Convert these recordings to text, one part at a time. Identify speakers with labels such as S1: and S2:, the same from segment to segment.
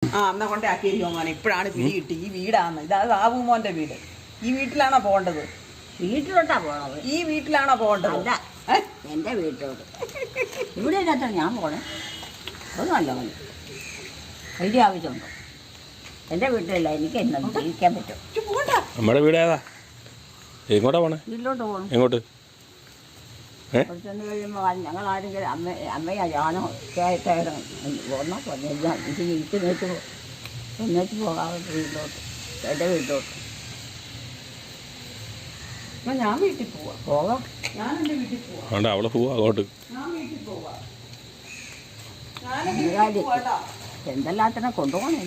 S1: ആ എന്നാ കൊണ്ടേ ആക്കിയിരിക്കോ മോനെ. ഇപ്പോഴാണ് പിടി കിട്ടി. ഈ വീടാണ് ഇതാ സാബുമോന്റെ വീട്. ഈ വീട്ടിലാണോ പോകേണ്ടത്?
S2: വീട്ടിലോട്ടാ പോണത്.
S1: ഈ വീട്ടിലാണോ പോകേണ്ടത്?
S2: അല്ല, എൻ്റെ വീട്ടിലോട്ട്. ഇവിടെ ഇല്ലാത്ത ഞാൻ പോണേ. അത് നല്ല മതി. വലിയ ആവശ്യമുണ്ടോ? എൻ്റെ വീട്ടിലല്ല, എനിക്ക് എന്നും ജീവിക്കാൻ പറ്റും.
S3: നമ്മുടെ വീട് ഏതാ? എങ്ങോട്ടാ പോണേ?
S2: വീട്ടിലോട്ട് പോകണം.
S3: എങ്ങോട്ട്?
S2: കുറച്ചൊന്ന് കഴിയുമ്പോൾ ഞങ്ങൾ ആരെങ്കിലും അമ്മയോ ഞാനോ ചേട്ടായിട്ട് ഒന്നോ ഇത് എന്നിട്ട് പോകാൻ വീട്ടിലോട്ട്, എൻ്റെ വീട്ടിലോട്ട്.
S1: ഞാൻ വീട്ടിൽ പോവാം. ഞാൻ എൻ്റെ വീട്ടിൽ പോവാം.
S3: ആണ്ടാ അവളെ പോവാ അങ്ങോട്ട്.
S1: ഞാൻ വീട്ടിൽ പോവാം.
S2: എന്തെല്ലാത്തിനെ കൊണ്ടുപോകണേ.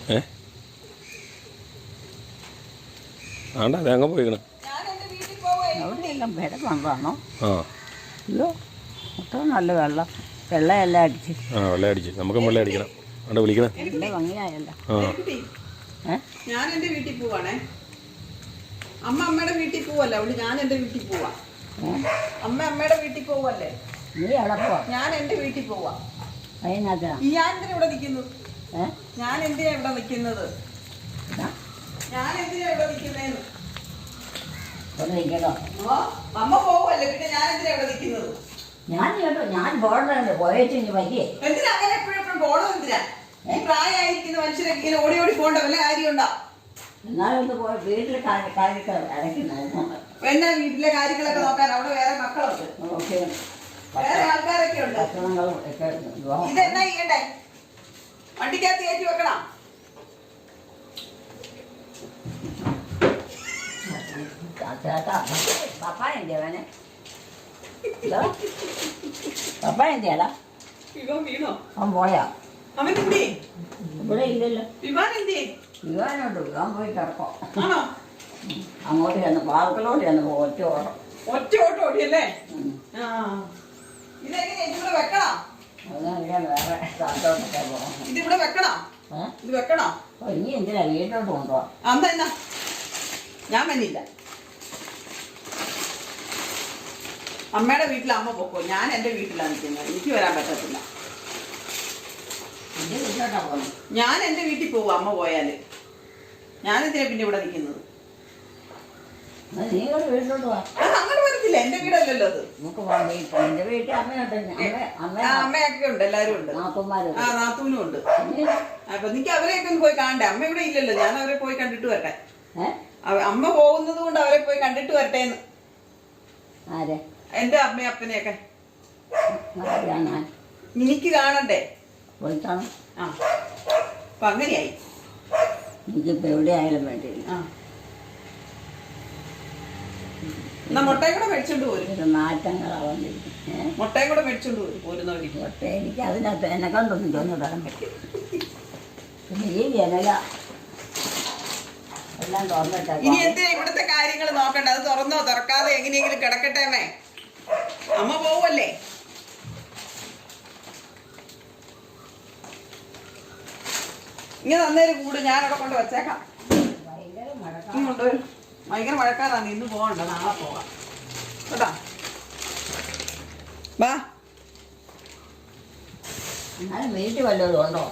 S3: ആണ്ടാ അത് അങ്ങ് പോയിക്കണേ.
S2: എവിടെയെല്ലാം വില കൊണ്ടാണോ?
S3: ആ
S2: അയ്യോ, മൊത്തം നല്ല വെള്ളം വെള്ളമെല്ലാം അടിച്ച്.
S3: വെള്ളം അടിച്ച് നമുക്കും വെള്ളം അടിക്കണം. അവിടെ വിളിക്കണേ.
S2: നല്ല ഭംഗിയായല്ലോ.
S1: ഞാൻ എൻ്റെ വീട്ടിൽ പോവാണേ. അമ്മയുടെ വീട്ടിൽ പോവല്ലേ അവള്. ഞാൻ എൻ്റെ വീട്ടിൽ പോവാ. അമ്മയുടെ വീട്ടിൽ പോവല്ലേ?
S2: നീ എവിടെ പോവാ?
S1: ഞാൻ എൻ്റെ വീട്ടിൽ പോവാ.
S2: അതിനകത്താ
S1: ഞാൻ എന്തിനാ ഇവിടെ നിൽക്കുന്നത്? ഞാൻ എന്തിനാ ഇവിടെ നിൽക്കുന്നത്? ഞാൻ എന്തിനാ ഇവിടെ നിൽക്കുന്നേന്ന്? അമ്മ പോവല്ലേ, പിന്നെ ഞാൻ എന്തിനാ ഇവിടെ നിൽക്കുന്നത്?
S2: ഞാൻ കേട്ടോ, ഞാൻ പോകണ്ടേ പോയേച്ചു പറ്റിയേ.
S1: എന്തിനാ അങ്ങനെ എപ്പോഴും പോകണം? എന്തിനാ ഈ പ്രായമായിരിക്കുന്ന മനുഷ്യരൊക്കെ ഇങ്ങനെ ഓടി ഓടി പോകണ്ട വല്ല കാര്യമുണ്ടോ?
S2: എന്നാലൊന്ന് പോയി വീട്ടിലെ കാര്യങ്ങൾ ഇടയ്ക്ക് നോക്കണം.
S1: എന്നാ വീട്ടിലെ കാര്യങ്ങളൊക്കെ നോക്കാൻ അവിടെ വേറെ മക്കളുണ്ട്, വേറെ ആൾക്കാരൊക്കെ ഉണ്ട്.
S2: ഭക്ഷണങ്ങളും ഒക്കെ
S1: ഇതെന്നാ ചെയ്യണ്ടേ? വണ്ടിക്കകത്ത് കയറ്റി വെക്കണം.
S2: പപ്പായ എന്തിയാ? പപ്പായ എന്തിയാടാ?
S1: വീണോ?
S2: അവൻ പോയാ?
S1: അവൻ എന്തി?
S2: ഇവിടെ ഇല്ലല്ലോ.
S1: വിവാൻ എന്തി?
S2: വിവാനുണ്ട്. വിവാൻ പോയി കിടക്കോ.
S1: ആണോ?
S2: അങ്ങോട്ട് ചെന്ന് പാർക്കിലോട്ട് ചെന്ന് ഒറ്റ ഓട്ടം.
S1: ഒറ്റ ഓട്ടം ഓടിയല്ലേ? ഇതെങ്ങനെ ഇതിവിടെ വെക്കണം?
S2: അതറിയാൻ വേറെ സ്ഥലത്തോട്ടൊക്കെ പോകണം.
S1: ഇതിവിടെ വെക്കണം. ഇത് വെക്കണോ?
S2: ഇനി എന്തിനാ വീട്ടിലോട്ട് കൊണ്ടുപോവാ?
S1: അമ്മ എന്നാ ഞാൻ വന്നില്ല. അമ്മയുടെ വീട്ടിൽ അമ്മ പൊക്കോ. ഞാൻ എൻ്റെ വീട്ടിലാണ് നിൽക്കുന്നത്. എനിക്ക് വരാൻ പറ്റത്തില്ല.
S2: എന്റെ വീട്ടിലോട്ടാ പോകണം.
S1: ഞാൻ എൻ്റെ വീട്ടിൽ പോകും. അമ്മ പോയാല് ഞാനെന്തിനാ പിന്നെ ഇവിടെ നിൽക്കുന്നത്?
S2: നീ ഒരു വീട്ടിലോട്ട് പോവാ.
S1: അങ്ങോട്ട് വരത്തില്ല. എൻ്റെ വീടല്ലല്ലോ അത്.
S2: നമുക്ക് പോകാം. എന്റെ വീട്ടിൽ അമ്മയുണ്ട്.
S1: അമ്മയൊക്കെ ഉണ്ട്, എല്ലാരും ഉണ്ട്.
S2: നാത്തൂന്മാരും
S1: നാത്തൂനും ഉണ്ട്. അപ്പൊ എനിക്ക് അവരെയൊക്കെ ഒന്ന് പോയി കാണണ്ടേ? അമ്മ ഇവിടെ ഇല്ലല്ലോ. ഞാൻ അവരെ പോയി കണ്ടിട്ട് വരട്ടെ. അമ്മ പോകുന്നത് കൊണ്ട് അവരെ പോയി കണ്ടിട്ട് വരട്ടേന്ന്.
S2: ആരെ?
S1: എന്റെ അമ്മയും അപ്പനെയൊക്കെ
S2: ഞാൻ
S1: എനിക്ക് കാണണ്ടേ?
S2: പോയിട്ടാണ്.
S1: അപ്പൊ അങ്ങനെയായി.
S2: എനിക്കിപ്പോ എവിടെ ആയാലും വേണ്ടിയില്ല.
S1: എന്നാ മുട്ടയും കൂടെ മേടിച്ചോണ്ട് പോരും.
S2: മാറ്റങ്ങളാവാണ്ടിരിക്കും.
S1: മുട്ടയും കൂടെ മേടിച്ചോണ്ട് പോരുന്നവര്.
S2: മുട്ട എനിക്ക് അതിനകത്ത് എന്നെ കണ്ടൊന്നും തോന്നിടാൻ പറ്റും. പിന്നെ ഈ ജനല എല്ലാം തുറന്നിട്ടേ.
S1: ഇനി എന്തിനാ ഇവിടുത്തെ കാര്യങ്ങൾ നോക്കണ്ട? അത് തുറന്നോ തുറക്കാതെ എങ്ങനെയെങ്കിലും കിടക്കട്ടെ. അമ്മേ അമ്മ പോവല്ലേ? ഇങ്ങനെ തന്നേര് കൂട്. ഞാനവിടെ കൊണ്ട് വെച്ചേക്കാം. കൊണ്ടുവരും. ഭയങ്കര മഴക്കാറാണ്. ഇന്ന് പോകണ്ട, നാളെ പോകാം കേട്ടാ. വാ.
S2: എന്നാലും വീട്ടിൽ വല്ലതും ഉണ്ടോ?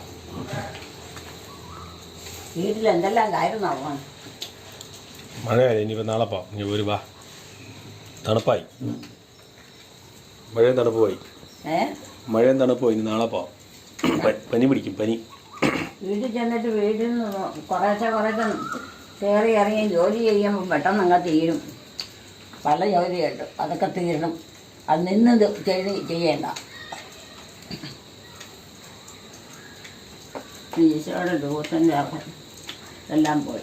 S2: വീട്ടിൽ എന്തെല്ലാം കാര്യം നോക്കണം.
S3: മഴയല്ലേ, ഇനിയിപ്പോൾ നാളെ പോവാം. ഇനി ഒരു വാ. തണുപ്പായി. മഴയും തണുപ്പ് പോയി. മഴയും തണുപ്പ് പോയി. ഇനി നാളെ പോവാം. പനി പിടിക്കും, പനി.
S2: വീട്ടിൽ ചെന്നിട്ട് വീട്ടിൽ നിന്ന് കുറേശ്ശെ കയറി ഇറങ്ങി ജോലി ചെയ്യുമ്പോൾ പെട്ടെന്ന് അങ്ങ് തീരും. പല ജോലിയുണ്ട്, അതൊക്കെ തീരണം. അത് നിന്ന് ചെയ്യേണ്ട. ഈശോയുടെ ദിവസത്തിൻ്റെ എല്ലാം പോയി.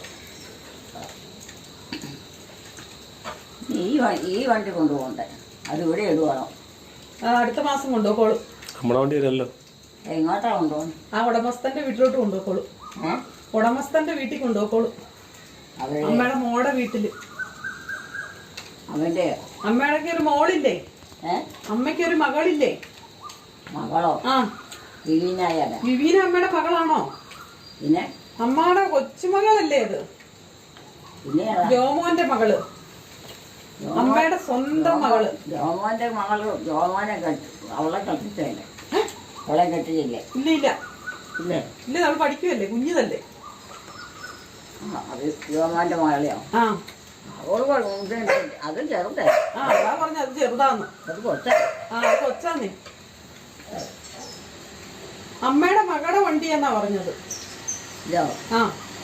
S2: ഈ വണ്ടി കൊണ്ടുപോകണ്ടേ? അത് ഇവിടെ ഇടുവാണോ?
S1: അടുത്ത മാസം കൊണ്ടുപോക്കോളൂ.
S3: നമ്മുടെ വണ്ടി വരല്ലോ.
S2: എങ്ങോട്ടാ കൊണ്ടുപോകണം?
S1: ആ ഉടമസ്ഥന്റെ വീട്ടിലോട്ട് കൊണ്ടുപോക്കോളൂ. ഉടമസ്ഥന്റെ വീട്ടിൽ കൊണ്ടുപോക്കോളൂ. അമ്മയുടെ മോടെ വീട്ടില്.
S2: അവന്റെ
S1: അമ്മയുടെ ഒരു മോളില്ലേ? അമ്മയ്ക്ക് ഒരു മകളില്ലേ?
S2: മകളോ?
S1: വിവീന അമ്മയുടെ മകളാണോ?
S2: പിന്നെ
S1: അമ്മയുടെ കൊച്ചുമകളല്ലേ അത്? ജോമോന്റെ മകള്, അമ്മയുടെ സ്വന്തം മകള്.
S2: ജോമോന്റെ മകള്. ജോമോനെ അവളെ കെട്ടിച്ചല്ലേ? അവളെ കെട്ടിച്ചില്ലേ?
S1: ഇല്ല ഇല്ല,
S2: ഇല്ലേ?
S1: ഇല്ല, നമ്മൾ പഠിക്കുമല്ലേ, കുഞ്ഞിതല്ലേ.
S2: അത് യുവമാൻ്റെ മകളെയോ?
S1: ആ
S2: അത് ചെറുതേ.
S1: ആ അതാ പറഞ്ഞ അത് ചെറുതാന്ന്.
S2: അത് കൊച്ച.
S1: ആ അത് കൊച്ചാന്നേ. അമ്മയുടെ മകളുടെ വണ്ടിയാന്നാ പറഞ്ഞത്.
S2: ഇല്ലോ?
S1: ആ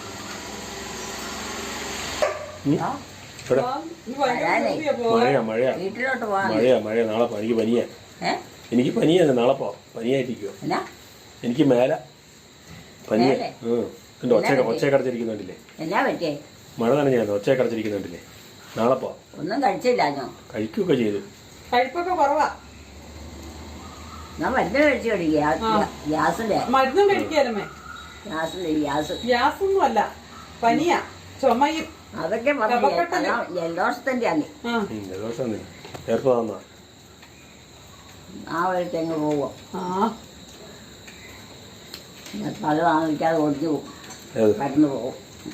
S3: ഇവിടെ
S1: നീ ഭയങ്കര ധൃതിയാ പോകാൻ.
S3: മഴയാ
S2: വീട്ടിലോട്ട് പോകാൻ.
S3: മഴയാ നാളെ എനിക്ക് പനിയാ. എനിക്ക് പനിയാണ്, നാളെ പോവാം. പനിയായിട്ടിരിക്കുവോ?
S2: എന്നാ
S3: എനിക്ക് മേല പനിയാ.
S2: മേലെ?
S3: എന്റെ ഒച്ചയൊക്കെ അടച്ചിരിക്കുന്നുണ്ടില്ലേ?
S2: എന്നാ പറ്റിയേ?
S3: മഴ നനഞ്ഞായിരുന്നു, ഒച്ചയൊക്കെ അടച്ചിരിക്കുന്നുണ്ടില്ലേ? നാളെ പോവാം.
S2: ഒന്നും കഴിച്ചില്ല ഞാൻ.
S3: കഴിക്കുകയൊക്കെ ചെയ്തു.
S1: കഴിപ്പൊക്കെ കുറവാ.
S2: ഞാൻ മരുന്ന് കഴിച്ചു കഴിക്കുക. ഗ്യാസിന്റെ
S1: മരുന്നും കഴിക്കാലമ്മേ. ഗ്യാസൊന്നും അല്ല, പനിയാ, ചുമയും.
S2: അതൊക്കെ ജലദോഷത്തിന്റെ ആണ്. ആ വഴിക്ക് അങ്ങ് പോവോ? പല താമസിക്കാതെ ഒടിഞ്ഞു പോകും, കടന്നു പോകും.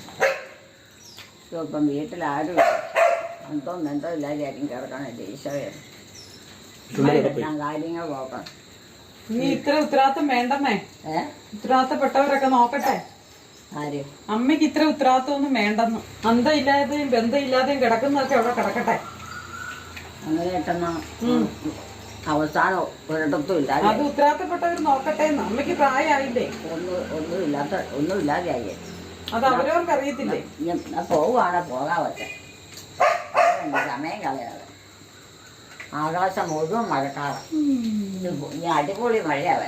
S2: ഇപ്പം വീട്ടിലാരും എന്തോ ഇല്ലാതെയായിരിക്കും കിടക്കണല്ലേ. ഈശോയെ എല്ലാം കാര്യങ്ങൾ നോക്കണം.
S1: നീ ഇത്ര ഉത്തരവാദിത്തം വേണ്ടമ്മേ. ഉത്തരവാദിത്തപ്പെട്ടവരൊക്കെ നോക്കട്ടെ.
S2: ആര്?
S1: അമ്മയ്ക്ക് ഇത്ര ഉത്തരവാദിത്തം ഒന്നും വേണ്ടെന്ന്. അന്തമില്ലാതെയും ബന്ധമില്ലാതെയും കിടക്കുന്നതൊക്കെ അവിടെ കിടക്കട്ടെ.
S2: അങ്ങനെ കിട്ടുന്ന അവസാനം ഒരിടത്തും ഇല്ല.
S1: അത് ഉത്തരവാദിത്തപ്പെട്ടവർ നോക്കട്ടെ. അമ്മയ്ക്ക് പ്രായമായില്ലേ?
S2: ഒന്നും ഇല്ലാതെയായി.
S1: അത് അവരവർക്ക് അറിയത്തില്ലേ?
S2: പോവുകയാണെ പോകാൻ പറ്റേ. സമയം കളയാതെ. ആകാശം മുഴുവൻ മഴക്കാലം. ഇനി അടിപൊളി മഴയാവൻ.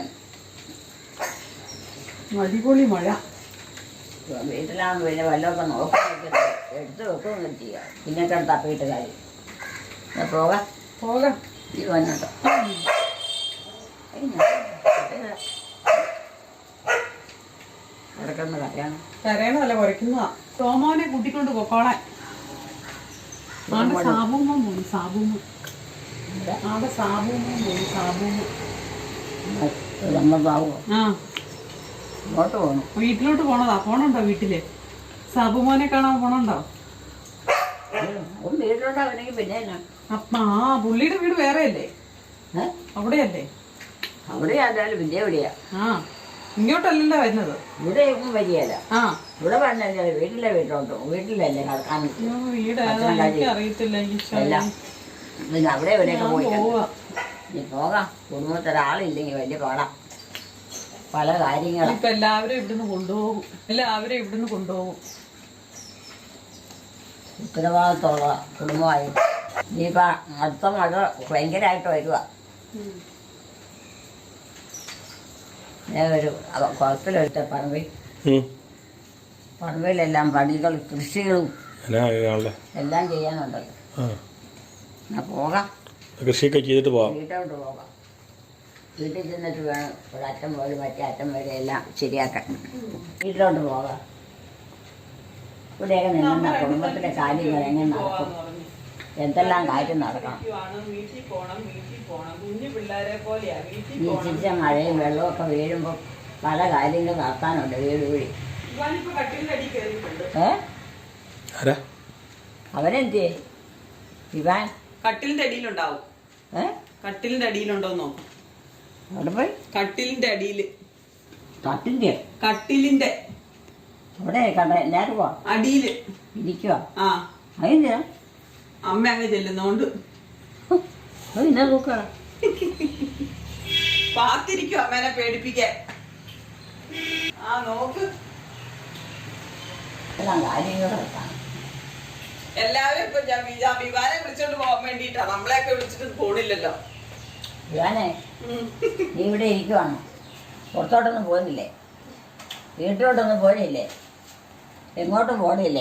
S1: അടിപൊളി മഴ.
S2: വീട്ടിലാണെന്ന് പിന്നെ വല്ലതൊക്കെ നോക്കി എടുത്ത് വെക്കുകയൊന്നും ചെയ്യുക. പിന്നെ തപ്പിയിട്ട് കാര്യം. പോകാം. ഇത് വന്നിട്ടോ കിടക്കുന്ന കരയാണ്.
S1: കരയണതല്ല, കുറയ്ക്കുന്നതാ. സോമോനെ കൂട്ടിക്കൊണ്ട് പോക്കോളാൻ. ആടെ സാബൂമ്മ പോയി. ആ
S2: ഇങ്ങോട്ട് പോകണം.
S1: വീട്ടിലോട്ട് പോണതാ. പോണുണ്ടോ വീട്ടില്? സാബുമോനെ കാണാൻ പോണുണ്ടോ?
S2: വീട്ടിലോട്ടാവണെങ്കിൽ പിന്നെ
S1: പുള്ളിയുടെ വീട് വേറെ അല്ലേ? അവിടെയല്ലേ?
S2: അവിടെ ആയാലും പിന്നെ എവിടെയാ?
S1: ഇങ്ങോട്ടല്ലല്ലോ വരുന്നത്.
S2: ഇവിടെ ഒന്നും വരികയല്ല. ഇവിടെ പറഞ്ഞല്ലേ വീട്ടിലോട്ടോ. വീട്ടിലല്ലേ കിടക്കാൻ.
S1: വീട് അറിയത്തില്ല.
S2: പിന്നെ അവിടെ എവിടെയൊക്കെ പോയി പോകാം. കുടുംബത്തിലൊരാളില്ലെങ്കിൽ വലിയ പാടാം. പല കാര്യങ്ങളും
S1: ഇപ്പൊ എല്ലാവരും ഇവിടുന്ന് കൊണ്ടുപോകും.
S2: ഉത്തരവാദിത്തമുള്ള കുടുംബമായി. ഇനിയിപ്പോ അടുത്ത മഴ ഭയങ്കരമായിട്ട് വരുക. ഒരു കുളത്തിലൊരുത്ത പറമ്പിലെല്ലാം പണികൾ കൃഷികളും എല്ലാം ചെയ്യാനുണ്ടല്ലോ. പോകാം.
S3: കൃഷിയൊക്കെ ചെയ്തിട്ട് പോകാം.
S2: വീട്ടോട്ട് പോകാം. വീട്ടിൽ ചെന്നിട്ട് വേണം ഒരറ്റം പോലെ മറ്റേ അറ്റം വരെ എല്ലാം ശരിയാക്കാൻ. വീട്ടിലോട്ട് പോകാം. ഇവിടെയൊക്കെ നിന്ന കുടുംബത്തിലെ കാര്യങ്ങൾ എങ്ങനെ നടക്കും? എന്തെല്ലാം കാര്യം നടക്കണം? ഈ ചിരിച്ച മഴയും വെള്ളമൊക്കെ വീഴുമ്പോൾ പല കാര്യങ്ങൾ നടത്താനുണ്ട്. വീട് വഴി അവനെന്ത് ഇവാൻ
S1: കട്ടിലിന്റെ അടിയിലുണ്ടാവും. കട്ടിലിന്റെ അടിയിലുണ്ടോന്നോ?
S2: അവിടെ പോയി
S1: കട്ടിലിന്റെ അടിയില്.
S2: കട്ടിലിന്റെ അവിടെ കണ്ട എല്ലാരും പോവാ
S1: അടിയില്
S2: ഇരിക്കുക.
S1: അതിന്റെയാ അമ്മ അങ്ങ് ചെല്ലുന്നോണ്ട്
S2: നോക്ക
S1: പാത്തിരിക്കും അമ്മേനെ പേടിപ്പിക്കാൻ. നോക്ക് എല്ലാവരും ഇപ്പൊ വിവാനെ വിളിച്ചോണ്ട് പോകാൻ വേണ്ടിട്ടാ. നമ്മളെയൊക്കെ വിളിച്ചിട്ട് പോണില്ലല്ലോ.
S2: വിവാനെ നീ ഇവിടെ ഇരിക്കുവാണോ? പുറത്തോട്ടൊന്നും പോകുന്നില്ലേ? വീട്ടിലോട്ടൊന്നും പോണില്ലേ? എങ്ങോട്ടും പോണില്ലേ?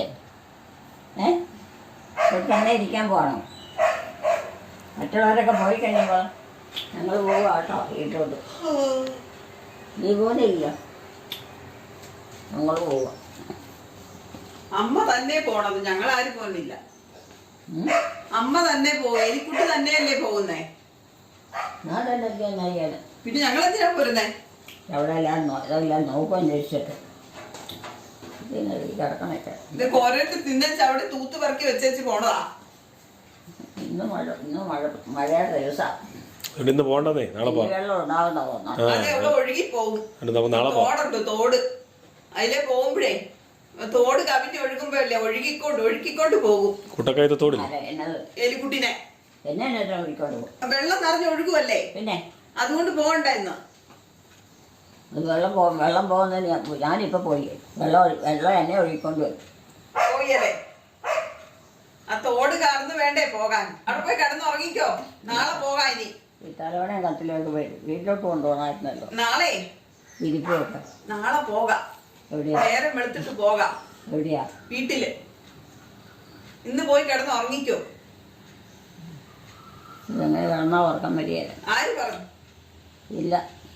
S2: ഇവിടെ തന്നെ ഇരിക്കാൻ പോകണം. മറ്റുള്ളവരൊക്കെ പോയി കഴിയുമ്പോൾ ഞങ്ങൾ പോവുക കേട്ടോ വീട്ടിലോട്ട്. നീ പോകുന്നില്ല, ഞങ്ങൾ പോവുക.
S1: അമ്മ തന്നെ പോണത്, ഞങ്ങളാരും പോകുന്നില്ല. അമ്മ തന്നെ പോകും. എലിക്കുട്ടി തന്നെയല്ലേ പോകുന്നേ?
S2: ഞാൻ തന്നെ
S1: പിന്നെ ഞങ്ങളെന്തിനാ പോരുന്നേ?
S2: അവിടെ എല്ലാം നോക്കാൻ ചോദിച്ചിട്ട് കിടക്കണൊക്കെ
S1: ഇതൊക്കെ ഓരോരുത്തർ തിന്നച്ച് അവിടെ തൂത്ത് പറക്കി വെച്ചേച്ച് പോണതാ.
S2: ഇന്ന് മഴയുടെ ദിവസമാണ്.
S3: ഇവിടെ ഇന്ന് പോകണ്ടെന്നേ നാളെ പോവാം.
S2: വെള്ളം ഉണ്ടാവുന്ന തോന്നാം.
S1: അതെ അവിടെ ഒഴുകി പോകും.
S3: എന്നിട്ട് നമുക്ക് നാളെ പോവാം.
S1: തോടുണ്ട് തോട്. അതിലെ പോകുമ്പോഴേ തോട് കവിഞ്ഞ് ഒഴുകുമ്പോഴല്ലേ ഒഴുക്കിക്കൊണ്ട് പോകും
S3: കുട്ടക്കയത്തെ തോടില്ല.
S2: അതെ എന്നത്
S1: എലിക്കുട്ടിനെ.
S2: എന്നെ വിളിക്കൊണ്ട് പോകും.
S1: വെള്ളം നിറഞ്ഞ് ഒഴുകുമല്ലേ,
S2: പിന്നെ
S1: അതുകൊണ്ട് പോകണ്ട ഇന്ന്.
S2: അത് വെള്ളം പോകുന്നതിന് ഞാനിപ്പോൾ പോയി. വെള്ളം എന്നെ ഒഴുകിക്കൊണ്ട് വരും.
S1: പോയല്ലേ ആ തോട് കടന്ന് വേണ്ടേ പോകാൻ. അവിടെ പോയി കിടന്നുറങ്ങിക്കോ, നാളെ പോകാം. ഇനി
S2: ഈ തലവണയും കത്തിലേക്ക് പോയി വീട്ടിലോട്ട് കൊണ്ടുപോകണമായിരുന്നല്ലോ.
S1: നാളെ
S2: വിരിപ്പൊക്കെ
S1: നാളെ പോകാം.
S2: എവിടെയാ
S1: നേരം വെളുത്തിട്ട് പോകാം
S2: എവിടെയാ
S1: വീട്ടില്. ഇന്ന് പോയി കിടന്ന് ഉറങ്ങിക്കോ.
S2: ഇതെങ്ങനെ കിടന്നാൽ ഉറക്കം വരികയില്ല.
S1: ആര് പറഞ്ഞു?
S2: ഇല്ല,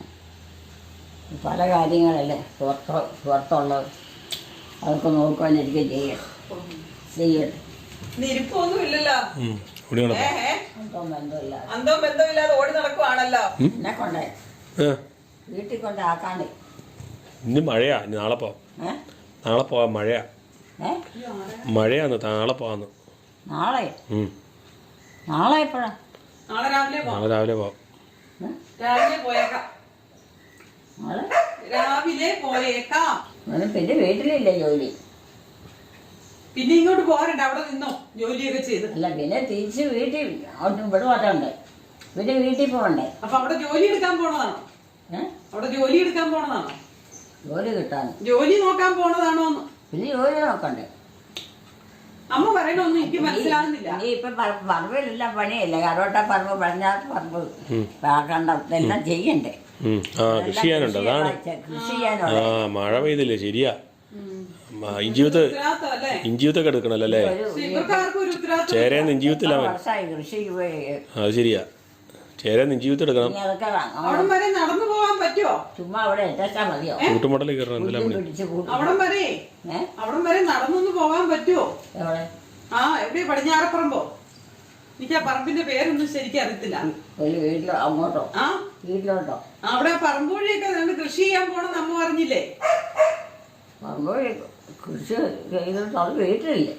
S2: പല കാര്യങ്ങളല്ലേ പുറത്തുള്ളത്, അതൊക്കെ നോക്കുവാൻ എനിക്ക് ചെയ്യട്ടെ.
S1: നിരിപ്പൊന്നും ഇല്ലല്ലോ.
S3: ഇവിടെ നടക്കാം.
S2: അന്തോ ബന്ധമില്ല.
S1: അന്തോ ബന്ധമില്ലാതെ ഓടി നടക്കുവാണല്ലോ.
S2: എന്നെ കൊണ്ടേ വീട്ടിൽ കൊണ്ട് ആക്കാണ്ട്.
S3: ഇന്ന് മഴയാ. ഇനി നാളെ പോവാം. നാളെ പോവാം. മഴയാ. മഴയാന്ന്. നാളെ പോവാന്ന്.
S2: നാളെ നാളെ എപ്പോഴാ?
S1: നാളെ രാവിലെ
S3: നാളെ രാവിലെ പോവാം.
S1: രാവിലെ പോയേക്കാം.
S2: നാളെ
S1: രാവിലെ പോയേക്കാം.
S2: പിന്നെ വീട്ടിലില്ലേ ജോലി?
S1: പിന്നെ ഇങ്ങോട്ട് പോരണ്ട, അവിടെ നിന്നോ ജോലിയൊക്കെ ചെയ്ത്.
S2: അല്ല, പിന്നെ തിരിച്ച് വീട്ടിൽ ഇവിടെ വരണ്ടേ? പിന്നെ വീട്ടിൽ പോകണ്ടേ?
S1: അപ്പൊ അവിടെ ജോലി എടുക്കാൻ പോണതാണോ? അവിടെ ജോലി എടുക്കാൻ പോണതാണോ?
S2: ജോലി കിട്ടാൻ
S1: ജോലി നോക്കാൻ പോണതാണോ?
S2: പിന്നെ ജോലി നോക്കണ്ടേ?
S1: അമ്മ പറയണൊന്നും എനിക്ക് മനസ്സിലാകുന്നില്ല.
S2: നീ ഇപ്പൊ പറമ്പിലെല്ലാം പണിയല്ലേ? കരോട്ട പറമ്പ്, പടിഞ്ഞാറ് പറമ്പ്, കണ്ട ഇതെല്ലാം ചെയ്യണ്ടേ?
S3: കൃഷി ചെയ്യാനുണ്ട്. അതാണ്.
S2: കൃഷി ചെയ്യാനുള്ള
S3: മഴ പെയ്തില്ലേ? ശരിയാ. ഇഞ്ചിവിത്തൊക്കെ എടുക്കണല്ലോ അല്ലേ? ചേരേന്ന് ഇഞ്ചിവിത്തില്ല.
S2: വർഷമായി കൃഷിക്ക് പോയി.
S3: അത് ശരിയാ. ചേരേന്ന് ഇഞ്ചിവിത്ത് എടുക്കണം.
S1: അവിടം വരെ നടന്നു പോകാൻ പറ്റുമോ?
S2: ചുമ്മാ അവിടെ എത്താ മതിയോ?
S3: കൂട്ടുമടലിൽ കയറണം. എന്തെല്ലാം
S1: അവിടം വരെ നടന്നൊന്ന് പോകാൻ പറ്റുമോ?
S2: എവിടെ?
S1: എവിടെ? പടിഞ്ഞാറപ്പറമ്പോ? എനിക്ക് ആ പറമ്പിന്റെ പേരൊന്നും ശരിക്കും അറിയത്തില്ല.
S2: ഒരു വീട്ടിലോ? അങ്ങോട്ടോ? വീട്ടിലോട്ടോ?
S1: അവിടെ പറമ്പ് വഴിയൊക്കെ നിങ്ങൾ കൃഷി ചെയ്യാൻ പോണെന്ന് അമ്മ പറഞ്ഞില്ലേ?
S2: പറമ്പ് കൃഷി ചെയ്തിട്ട് അത് വീട്ടിലില്ലേ?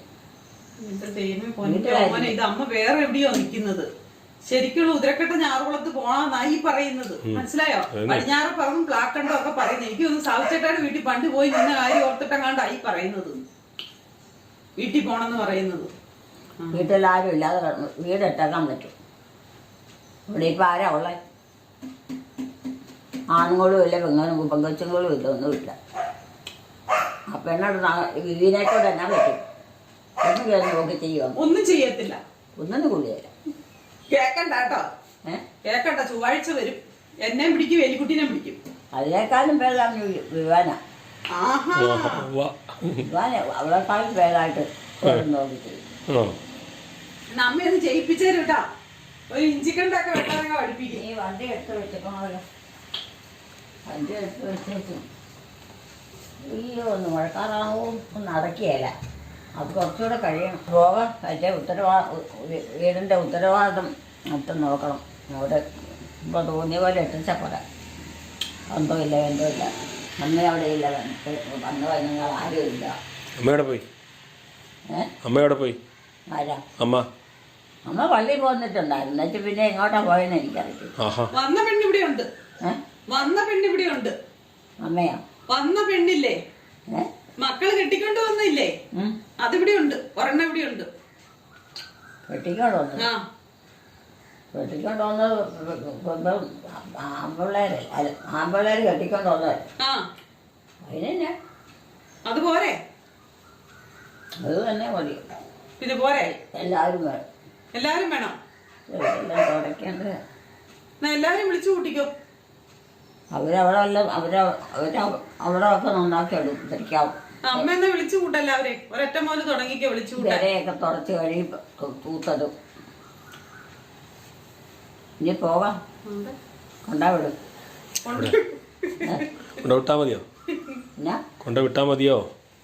S1: ഇത് അമ്മ വേറെ എവിടെയോ നിൽക്കുന്നത്. ശരിക്കുള്ള ഉദരക്കെട്ട ഞാറുകുളത്ത് പോണെന്നായി പറയുന്നത്. മനസ്സിലായോ? പടിഞ്ഞാറപ്പറമ്പും പ്ലാക്കണ്ടോ ഒക്കെ പറയുന്നത്. എനിക്കൊന്ന് സാവിച്ചേട്ടാട് വീട്ടിൽ പണ്ട് പോയി നിന്ന കാര്യം ഓർത്തിട്ടെങ്ങാണ്ടായി പറയുന്നത്. വീട്ടിൽ പോണെന്ന് പറയുന്നത്.
S2: വീട്ടിലാരും ഇല്ലാതെ വീട് ഇട്ടേക്കാൻ പറ്റും. ഇവിടെ ഇപ്പം ആരാ ഉള്ളത്? ആണുങ്ങളും ഇല്ല, പെങ്കൊച്ചുങ്ങളും ഇല്ല, ഒന്നുമില്ല. ആ പെണ്ണോട് ഇതിനേക്കൂടെ എന്നാ പറ്റും? ഒന്നും കയറി നോക്കി ചെയ്യുമോ?
S1: ഒന്നും ചെയ്യത്തില്ല.
S2: ഒന്നും കൂടിയല്ല.
S1: കേക്കണ്ട കേട്ടോ, കേക്കണ്ട. ചൊവ്വാഴ്ച വരും. എന്നെ പിടിക്കും, എലിക്കുട്ടിനെ പിടിക്കും.
S2: അതിനേക്കാളും ഭേദം വിവാന. അവളെക്കാളും ഭേദമായിട്ട് നോക്കി ചെയ്യും.
S1: നമ്മയൊന്ന് ജയിപ്പിച്ചേരും കേട്ടാ. ഒരു ഇഞ്ചിക്കണ്ടൊക്കെ വെട്ടാനൊക്കെ പഠിപ്പിക്കും.
S2: ഈ വണ്ടി എടുത്ത് വെച്ചേക്കണമല്ലോ. വണ്ടി എടുത്ത് വെച്ചേക്കും. അയ്യോ, ഒന്ന് മഴക്കാറാവോ ഒന്ന് അടക്കിയല്ല. അത് കുറച്ചുകൂടെ കഴിയണം. പോകാം. മറ്റേ വീടിൻ്റെ ഉത്തരവാദിത്തം മൊത്തം നോക്കണം. അവിടെ ഇപ്പോൾ തോന്നിയ പോലെ എത്തിച്ചാൽ പോരാ. ബന്ധമില്ല, ബന്ധമില്ല. അമ്മ അവിടെ ഇല്ല, വന്നു കഴിഞ്ഞാൽ ആരും ഇല്ല.
S3: അമ്മയോടെ പോയി. അമ്മയോടെ പോയി.
S2: ആരാ?
S3: അമ്മ
S2: പള്ളിയിൽ പോന്നിട്ടുണ്ടായിരുന്നു. എന്നിട്ട് പിന്നെ എങ്ങോട്ടാ പോയെന്ന് എനിക്കറിയില്ല.
S1: വന്ന പെണ്ണിവിടെ ഉണ്ട്. വന്ന പെണ്ണിവിടെ ഉണ്ട്.
S2: അമ്മയാ?
S1: വന്ന പെണ്ണില്ലേ, മക്കള് കെട്ടിക്കൊണ്ട് വന്നില്ലേ, അതിവിടെ ഉണ്ട്. ഒരെണ്ണം ഇവിടെ ഉണ്ട്.
S2: കെട്ടിക്കൊണ്ട് വന്നത്? കെട്ടിക്കൊണ്ട് വന്നത് ആമ്പിള്ളേര് കെട്ടിക്കൊണ്ട് വന്നത്. അതിനെന്നാ?
S1: അത് പോരെ?
S2: അത് തന്നെ മതി.
S1: പിന്നെ പോരെ?
S2: എല്ലാവരും വേണം.
S1: എല്ലാരും വേണം.
S2: എല്ലാം തുടയ്ക്കേണ്ടത്.
S1: എല്ലാവരും വിളിച്ചു കൂട്ടിക്കോ.
S2: അവിടെ ഒക്കെ നന്നാക്കി എടുക്കാവും.
S1: അമ്മ എന്നാ വിളിച്ചു കൂട്ട എല്ലാവരെയും. ഒരൊറ്റ മോന് തുടങ്ങിക്കോ വിളിച്ചു കൂട്ടാ.
S2: ഇവരെയൊക്കെ തുടച്ച് കഴിയുമ്പോ തൂത്തതും. ഇനി പോകാം. കൊണ്ടാവിടും.
S3: കൊണ്ടുവിട്ടാ മതിയോ? കൊണ്ടുവിട്ടാ മതിയോ?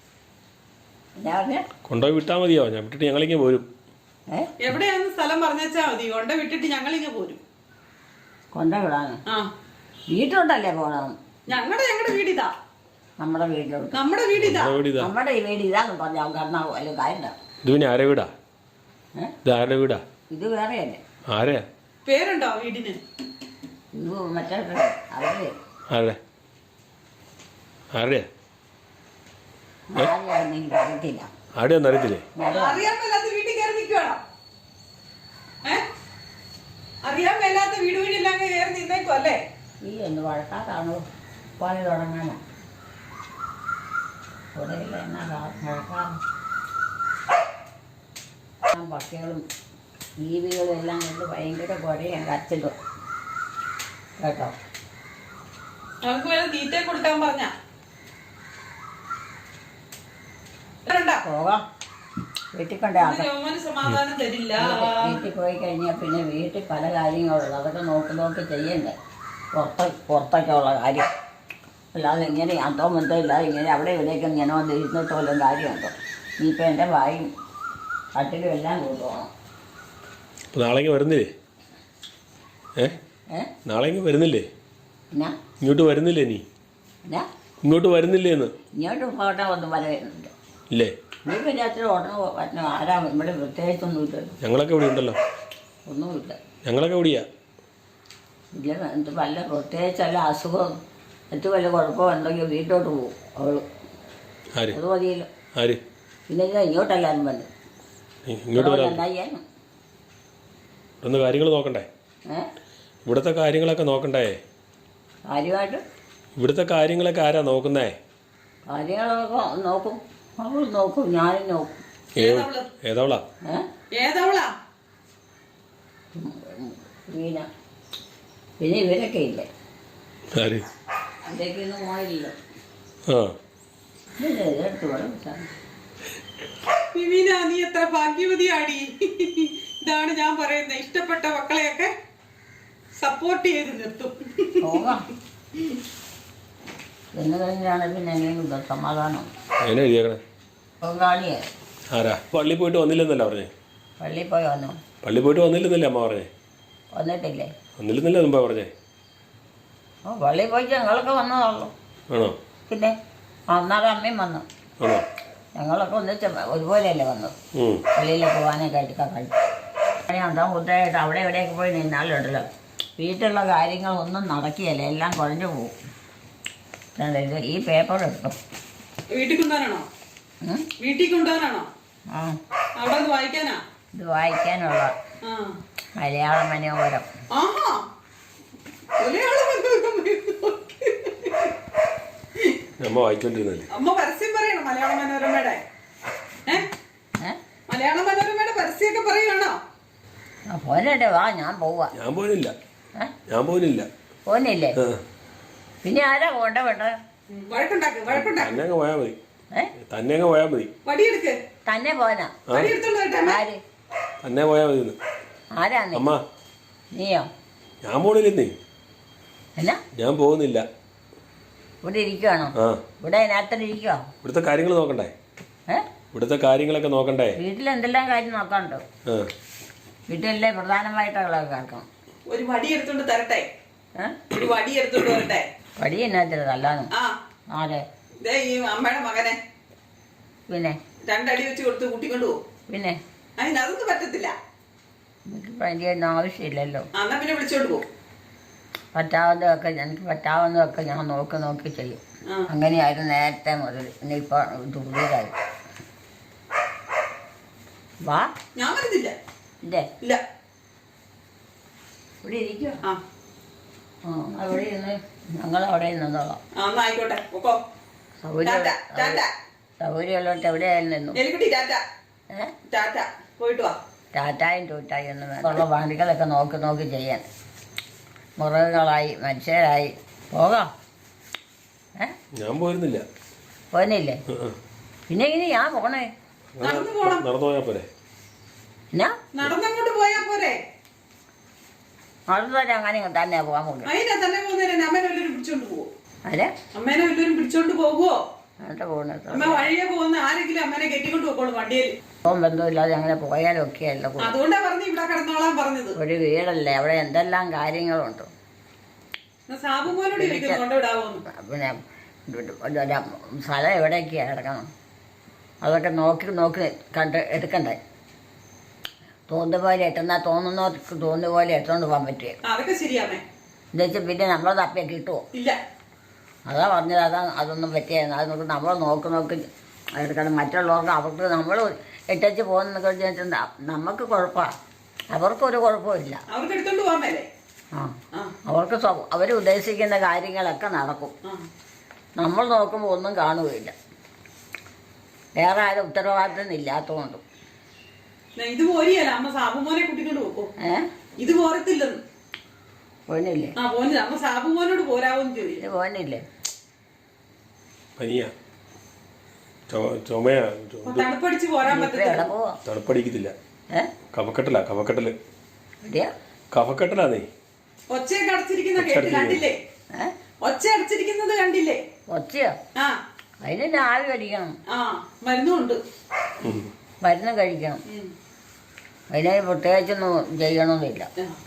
S3: കൊണ്ടുപോയി വിട്ടാ മതിയോ? ഞാൻ വിട്ടിട്ട് ഞങ്ങളിങ്ങ് പോരും.
S1: എവിടെയാന്ന് സ്ഥലം പറഞ്ഞാ മതി. കൊണ്ട വിട്ടിട്ട് ഞങ്ങളിങ്ങ് പോരും.
S2: കൊണ്ടുവിടാണ്. വീട്ടിലോട്ടല്ലേ പോണം?
S1: ഞങ്ങളുടെ വീടിതാ.
S2: നമ്മുടെ വീട്ടിലോട്ട്.
S1: നമ്മുടെ വീടിതാ.
S2: നമ്മുടെ ഈ വീട് ഇതാന്ന് പറഞ്ഞാൽ കാരണം കാര്യം.
S3: ഇത് പിന്നെ ആരെ വീടാ? ഇത് ആരുടെ വീടാ?
S2: ഇത് വേറെയല്ലേ?
S3: ആരെയാ?
S1: പേരുണ്ടോ വീടിന്?
S2: ഇത് മറ്റേ അവര്
S3: ആരുടെ ആരുടെയാ
S2: ആരെയാണെന്നെങ്കിലും അറിയത്തില്ല.
S3: ആരുടെയൊന്നും അറിയത്തില്ലേ?
S1: അറിയാൻ മേലാത്ത വീട്ടിൽ കയറി നിൽക്കുകയാണോ? അറിയാൻ മേലാത്ത വീട് വീടില്ലാം കയറി നിന്നേക്കും അല്ലേ?
S2: ഈ എന്ത് വഴക്കാത്താണോ പണി തുടങ്ങാനാ? കുറയില്ല എന്നാ വഴക്കാറ്. പക്ഷികളും ജീവികളും എല്ലാം കൊണ്ട് ഭയങ്കര കുഴയാണ് കരച്ചിലും കേട്ടോ.
S1: നമുക്ക് വല്ല തീറ്റ കൊടുക്കാൻ പറഞ്ഞ
S2: പോകാം. വീട്ടിൽ കൊണ്ടേ
S1: സമാധാനം തരില്ല.
S2: വീട്ടിൽ പോയി കഴിഞ്ഞാൽ പിന്നെ വീട്ടിൽ പല കാര്യങ്ങളുള്ളൂ. അതൊക്കെ നോക്കി ചെയ്യണ്ടേ. പുറത്തൊക്കെ ഉള്ള കാര്യം അല്ലാതെ ഇങ്ങനെ അതോ ബന്ധം ഇല്ലാതെ ഇങ്ങനെ അവിടെ ഇവിടെയൊക്കെ ഇങ്ങനെ വന്ന് ഇരുന്നിട്ട് വല്ലതും കാര്യമുണ്ടോ? ഇനിയിപ്പോൾ എൻ്റെ വായും കട്ടിലും എല്ലാം കൊണ്ടുപോകണം.
S3: നാളേക്ക് വരുന്നില്ലേ? നാളേക്ക് വരുന്നില്ലേ?
S2: എന്നാ
S3: ഇങ്ങോട്ട് വരുന്നില്ലേ? നീ
S2: എന്നാ
S3: ഇങ്ങോട്ട് വരുന്നില്ലേ എന്ന്?
S2: ഇങ്ങോട്ട് പോകട്ടെ ഒന്നും പറയുന്നുണ്ട്.
S3: ഇല്ലേ?
S2: നീ പിന്നെ അത്ര ഉടനെ പറ്റുന്ന ആരാ? ഇവിടെ പ്രത്യേകിച്ചൊന്നും ഇല്ലല്ലോ.
S3: ഞങ്ങളൊക്കെ ഇവിടെ ഉണ്ടല്ലോ.
S2: ഒന്നുമില്ല.
S3: ഞങ്ങളൊക്കെ എവിടെയാ?
S2: ഇല്ല എന്ത് വല്ല പ്രത്യേകിച്ചല്ല അസുഖം മറ്റു വല്ല കുഴപ്പമുണ്ടെങ്കിൽ വീട്ടോട്ട് പോകും അവള്.
S3: ആര്
S2: അത് മതിയല്ലോ.
S3: ആര്
S2: പിന്നെ ഇങ്ങോട്ടെല്ലാവരും വന്നു.
S3: ഇങ്ങോട്ട് വരാൻ
S2: എന്തായാലും
S3: ഇവിടുന്ന് കാര്യങ്ങൾ നോക്കണ്ടേ? ഇവിടുത്തെ കാര്യങ്ങളൊക്കെ നോക്കണ്ടേ?
S2: കാര്യമായിട്ട്
S3: ഇവിടുത്തെ കാര്യങ്ങളൊക്കെ ആരാ നോക്കുന്നേ?
S2: കാര്യങ്ങളൊക്കെ നോക്കും. അവൾ നോക്കും, ഞാനും നോക്കും.
S3: ഏതവളാ?
S1: ഏതവളാ?
S2: പിന്നെ ഇവരൊക്കെ ഇല്ലേ?
S3: ആര്?
S2: ഇതൊക്കെ ഒന്നും പോയില്ല.
S3: ആ
S2: ഇതെടുത്ത് വേണം.
S1: വിമീന, നീ എത്ര ഭാഗ്യവതിയാടി. ഇതാണ് ഞാൻ പറയുന്നത്. ഇഷ്ടപ്പെട്ട മക്കളെയൊക്കെ സപ്പോർട്ട് ചെയ്ത് നിർത്തും.
S2: പോകാം. എന്ന് കഴിഞ്ഞാണ് പിന്നെ എങ്ങനെയും സമാധാനം.
S3: എന്നെ എഴുതിയേക്കണേ
S2: പൊങ്കാളിയെ
S3: ആരാ? പള്ളി പോയിട്ട് വന്നില്ലെന്നല്ല പറഞ്ഞേ?
S2: പള്ളിയിൽ പോയി വന്നു.
S3: പള്ളി പോയിട്ട് വന്നില്ലെന്നല്ലേ അമ്മ പറഞ്ഞേ?
S2: വന്നിട്ടില്ലേ?
S3: വന്നില്ലെന്നല്ലേ മുമ്പേ പറഞ്ഞേ?
S2: പള്ളിയിൽ പോയി ഞങ്ങളൊക്കെ വന്നതുള്ളൂ.
S3: ആണോ?
S2: പിന്നെ അന്നാലും അമ്മയും വന്നു.
S3: ആണോ?
S2: ഞങ്ങളൊക്കെ ഒന്നിച്ച് ഒരുപോലെയല്ലേ വന്നത്. പള്ളിയിൽ പോകാനൊക്കെ എടുക്കാൻ കഴിയും. ഉണ്ടോ കുട്ടയായിട്ട് അവിടെ എവിടെയൊക്കെ പോയി നിന്നാലുണ്ടല്ലോ വീട്ടിലുള്ള കാര്യങ്ങളൊന്നും നടക്കുകയല്ല. എല്ലാം കുഴഞ്ഞു പോകും. ഇത് ഈ പേപ്പർ എടുക്കും.
S1: വീട്ടിൽ കൊണ്ടുപോകാനാണോ? വീട്ടിൽ കൊണ്ടുപോകാനാണോ?
S2: ആ
S1: അവിടെ ഒന്ന് വായിക്കാനാ?
S2: ഇത് വായിക്കാനുള്ള മലയാള മനോഹരം.
S1: ആഹാ,
S3: അമ്മ വായിച്ചോണ്ടിരുന്നല്ലേ?
S1: അമ്മ പരസ്യം പറയണം മലയാള മനോരമയുടെ. മലയാള മനോരമയുടെ പരസ്യമൊക്കെ പറയുകയാണോ?
S2: പോരട്ടെ, വാ, ഞാൻ പോവാ.
S3: ഞാൻ പോലില്ല. ഞാൻ പോലില്ല.
S2: പോന്നില്ലേ? പിന്നെ ആരാ പോണ്ട വേണ്ട?
S1: വഴക്കുണ്ടാക്ക്.
S3: തന്നെ അങ്ങ് പോയാ മതി. തന്നെ അങ്ങ് പോയാ മതി.
S1: വടിയെടുക്ക്.
S2: തന്നെ പോനാ? ആര്?
S3: തന്നെ പോയാ മതി.
S2: ആരാ നീ?
S3: അമ്മ.
S2: നീയോ?
S3: ഞാൻ പോണില്ലെന്നേ.
S2: എന്നാ?
S3: ഞാൻ പോകുന്നില്ല.
S2: ഇവിടെ ഇരിക്കുവാണോ? ഇവിടെ അതിനകത്ത് ഇരിക്കുവോ?
S3: ഇവിടുത്തെ കാര്യങ്ങൾ നോക്കണ്ടേ? ഇവിടുത്തെ കാര്യങ്ങളൊക്കെ നോക്കണ്ടേ?
S2: വീട്ടിൽ എന്തെല്ലാം കാര്യം നോക്കാനുണ്ടോ? വീട്ടിലെ പ്രധാനമായിട്ടുള്ള കേൾക്കണം.
S1: ഒരു വടി എടുത്തോണ്ട് തരട്ടെ? ഒരു വടി എടുത്തോണ്ട് വരട്ടെ?
S2: വടി എന്നാ നല്ലതാണ്. ആരെ?
S1: ഈ അമ്മയുടെ മകനെ
S2: പിന്നെ
S1: 2 അടി വെച്ച് കൊടുത്ത് കൂട്ടിക്കൊണ്ട് പോകും.
S2: പിന്നെ
S1: അതൊന്നും പറ്റത്തില്ല.
S2: എനിക്കിപ്പോൾ അതിൻ്റെ ഒന്നും ആവശ്യമില്ലല്ലോ.
S1: എന്നാ പിന്നെ വിളിച്ചോണ്ട് പോകും.
S2: പറ്റാവുന്നതൊക്കെ എനിക്ക് പറ്റാവുന്നതൊക്കെ ഞാൻ നോക്കി ചെയ്യും. അങ്ങനെയായിരുന്നു നേരത്തെ മുതൽ. ഇനിയിപ്പോൾ ഇത് പുതിയതായി. വാ.
S1: ഞാൻ വരുന്നില്ല. ഇല്ല.
S2: ഇവിടെ ഇരിക്കും. അവിടെ ഇരുന്ന് ഞങ്ങളവിടെ നിന്നോളാം.
S1: ആയിക്കോട്ടെ.
S2: സൗകര്യമുള്ളോട്ട് എവിടെയായാലും നിന്നു.
S1: പോയിട്ട് വാ.
S2: ടാറ്റായും ടൂറ്റായും ഒന്നും വേണ്ട. ഉള്ള പണികളൊക്കെ നോക്കി ചെയ്യാൻ. മൃഗങ്ങളായി മനുഷ്യരായി പോകാം.
S3: ഞാൻ പോയിരുന്നില്ല.
S2: പോന്നില്ലേ? പിന്നെ ഇനി ഞാൻ പോണേ?
S3: നടന്നു പോയാ പോരെ?
S2: എന്നാ
S1: നടന്നങ്ങോട്ട് പോയാ പോരെ?
S2: നടന്നു അങ്ങനെ തന്നെ പോകാൻ പോകും.
S1: തന്നെ പോകുന്നതിന് അമ്മേനെ വല്ലവരും പിടിച്ചോണ്ട് പോവോ?
S2: അമ്മേനെ
S1: വല്ലവരും പിടിച്ചോണ്ട് പോകുവോ?
S2: പോകുന്നത്
S1: അമ്മ വഴിയെ പോകുന്ന ആരെങ്കിലും അമ്മേനെ കെട്ടിക്കൊണ്ട് പോക്കോളൂ വണ്ടിയിൽ.
S2: ബന്ധമില്ലാതെ അങ്ങനെ പോയാലൊക്കെ അല്ല.
S1: അതുകൊണ്ടാ പറഞ്ഞു ഇവിടെ കിടന്നോളാൻ പറഞ്ഞത്.
S2: ഒരു വീടല്ലേ, അവിടെ എന്തെല്ലാം കാര്യങ്ങളുണ്ട്. പിന്നെ സ്ഥലം എവിടെയൊക്കെയാണ് കിടക്കണം അതൊക്കെ നോക്കി കണ്ട് എടുക്കണ്ടേ. തോന്നുന്ന പോലെ എത്തുന്നാൽ തോന്നുന്നവർക്ക് തോന്നുന്ന പോലെ എത്തുകൊണ്ട് പോകാൻ പറ്റുക.
S1: അതൊക്കെ ശരിയാമേ.
S2: എന്താ വെച്ചാൽ പിന്നെ നമ്മൾ തപ്പിയ കിട്ടുമോ?
S1: ഇല്ല.
S2: അതാ പറഞ്ഞത്. അതൊന്നും പറ്റിയായിരുന്നു. അത് നമുക്ക് നമ്മൾ നോക്കി എടുക്കണം. മറ്റുള്ളവർക്ക് അവർക്ക് നമ്മൾ ഇട്ടച്ച് പോകുന്നതൊക്കെ വെച്ചിട്ട് നമുക്ക് കുഴപ്പമാണ്, അവർക്കൊരു കുഴപ്പമില്ല.
S1: അവർക്ക് എടുത്തോണ്ട് പോകാൻ മേലേ.
S2: അവർക്ക് അവർ ഉദ്ദേശിക്കുന്ന കാര്യങ്ങളൊക്കെ നടക്കും. നമ്മൾ നോക്കുമ്പോൾ ഒന്നും കാണുകയില്ല, വേറെ ആരും ഉത്തരവാദിത്തം ഇല്ലാത്തതുകൊണ്ടും.
S1: ഇത് പോരിയല്ല അമ്മ സാബുമോനെ കൂട്ടിക്കൊണ്ട് പോക്കോ. ഇത് പോരത്തില്ലെന്ന്
S2: പോനില്ലേ?
S1: പോന്നില്ല. അമ്മ സാബുമോനോട് പോരാവോന്ന് ചോദിച്ചു.
S2: ഇത് പോനില്ലേ?
S3: പനിയാ, ചുമയാ,
S1: തണുപ്പടിച്ച് പോരാൻ പറ്റില്ല.
S3: തണുപ്പടിക്കത്തില്ല. കഫക്കെട്ടലാ, കഫക്കെട്ടല്. കഫക്കെട്ടലാന്നേ.
S1: ഒച്ചയൊക്കെ അടച്ചിരിക്കുന്ന കേട്ട് കണ്ടില്ലേ? ഒച്ച അടച്ചിരിക്കുന്നത് കണ്ടില്ലേ?
S2: ഒച്ചയോ? അതിന് ആവി കഴിക്കണം.
S1: മരുന്നുണ്ട്,
S2: മരുന്ന് കഴിക്കണം. അതിന് പ്രത്യേകിച്ചൊന്നും ചെയ്യണമെന്നില്ല.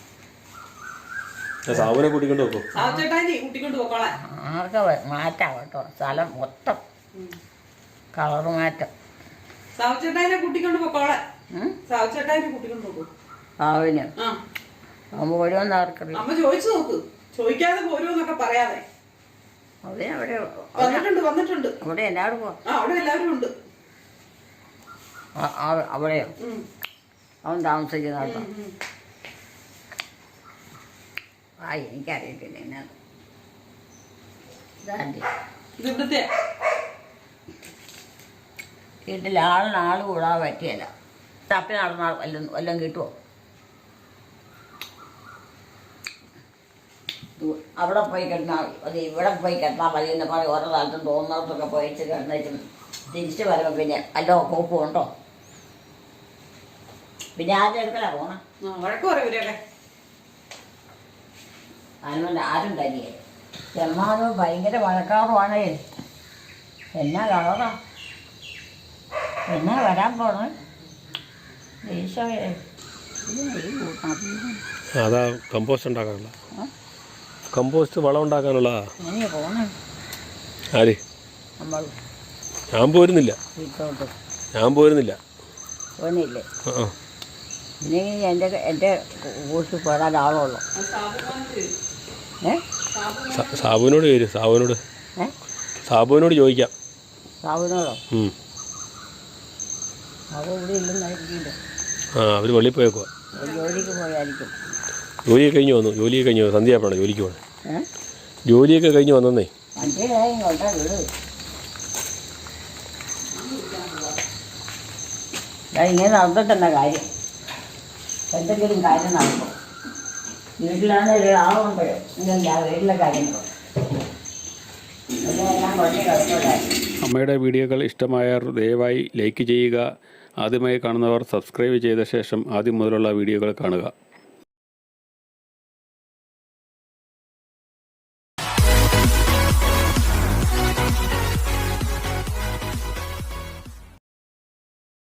S3: സാബുനെ കൂട്ടിക്കൊണ്ട് പോക്കോ.
S1: കൂട്ടിക്കൊണ്ട് പോക്കോളാം.
S2: ആർക്കെ മാറ്റാം കേട്ടോ, സ്ഥലം മൊത്തം കളറ് മാറ്റം.
S1: സാവുച്ചേട്ടാനെ കൂട്ടിക്കൊണ്ട് പോക്കോളാം. സാവുച്ചേട്ടാനെ കൂട്ടിക്കൊണ്ട് പോക്കോ.
S2: ആവിന് അവൻ പോരുമെന്ന് ആർക്കറിയാം.
S1: അമ്മ ചോദിച്ചു നോക്ക്, ചോദിക്കാതെ പോരുമെന്നൊക്കെ പറയാതെ. വന്നിട്ടുണ്ട്.
S2: അവിടെ എല്ലാവരും പോവാ.
S1: അവിടെ എല്ലാവരും ഉണ്ട്.
S2: അവിടെയോ? അവൻ താമസിക്കുന്ന കേട്ടോ. എനിക്കറിയത്തില്ല എന്നാ വീട്ടിൽ ആളിനാള് കൂടാൻ പറ്റിയല്ല. തപ്പി നടന്നാൽ വല്ലതും കിട്ടുമോ? അവിടെ പോയി കിടന്നാൽ അത് ഇവിടെ പോയി കിടന്നാൽ മതി എന്ന് പറയും. ഓരോ സ്ഥലത്തും തോന്നുന്നിടത്തൊക്കെ പോയിച്ച് കിടന്നിട്ടും തിരിച്ച് വരുമ്പോൾ പിന്നെ വല്ല കോപ്പും ഉണ്ടോ? പിന്നെ ആദ്യം എടുക്കലാ പോണം.
S1: വഴക്ക് പറയൂലേ?
S2: അതിനുകൊണ്ട് ആരും തരികേ. ചെമ്മാനും ഭയങ്കര വഴക്കാറുമാണ്. എന്നാ കളറാ, എന്നാ വരാൻ പോണേ ഈശോയെ.
S3: അതാ കമ്പോസ്റ്റ് ഉണ്ടാക്കാനുള്ള, കമ്പോസ്റ്റ് വളം ഉണ്ടാക്കാനുള്ള.
S2: എങ്ങനെയാ പോണേ?
S3: ആര്?
S2: നമ്മൾ.
S3: ഞാൻ പോരുന്നില്ല. ഞാൻ പോരുന്നില്ല.
S2: പോന്നില്ലേ? ഇനി എൻ്റെ കൂട്ടി പോരാൻ ആളുള്ളൂ.
S3: സാബുവിനോട് ചോദിച്ചു. സാബുവിനോട് ചോദിക്കാം.
S2: സാബുവിനോടോ? സാബു ഇവിടെ ഇല്ലെന്നായിരിക്കില്ല.
S3: അവർ വെളിയിൽ പോയേക്കുവാ.
S2: ജോലിക്ക് പോയായിരിക്കും.
S3: ജോലിയൊക്കെ കഴിഞ്ഞ് വന്നു. സന്ധ്യയായപ്പോഴാണ് ജോലിക്ക് പോകണം. ജോലിയൊക്കെ കഴിഞ്ഞ് വന്നേ.
S2: വണ്ടിയിലായി ഇങ്ങോട്ടാ വീട്. ഇങ്ങനെ നടന്നിട്ടെന്ന കാര്യം, എന്തെങ്കിലും കാര്യം നടക്കും. വീട്ടിലാണെങ്കിൽ ആളുമ്പോഴോ ഇല്ലെങ്കിൽ ആ വീട്ടിലെ കാര്യങ്ങളോ എല്ലാം കൊണ്ടേ കിടക്കുമല്ലായിരുന്നു.
S4: അമ്മയുടെ വീഡിയോകൾ ഇഷ്ടമായവർ ദയവായി ലൈക്ക് ചെയ്യുക. ആദ്യമായി കാണുന്നവർ സബ്സ്ക്രൈബ് ചെയ്ത ശേഷം ആദ്യം മുതലുള്ള വീഡിയോകൾ കാണുക.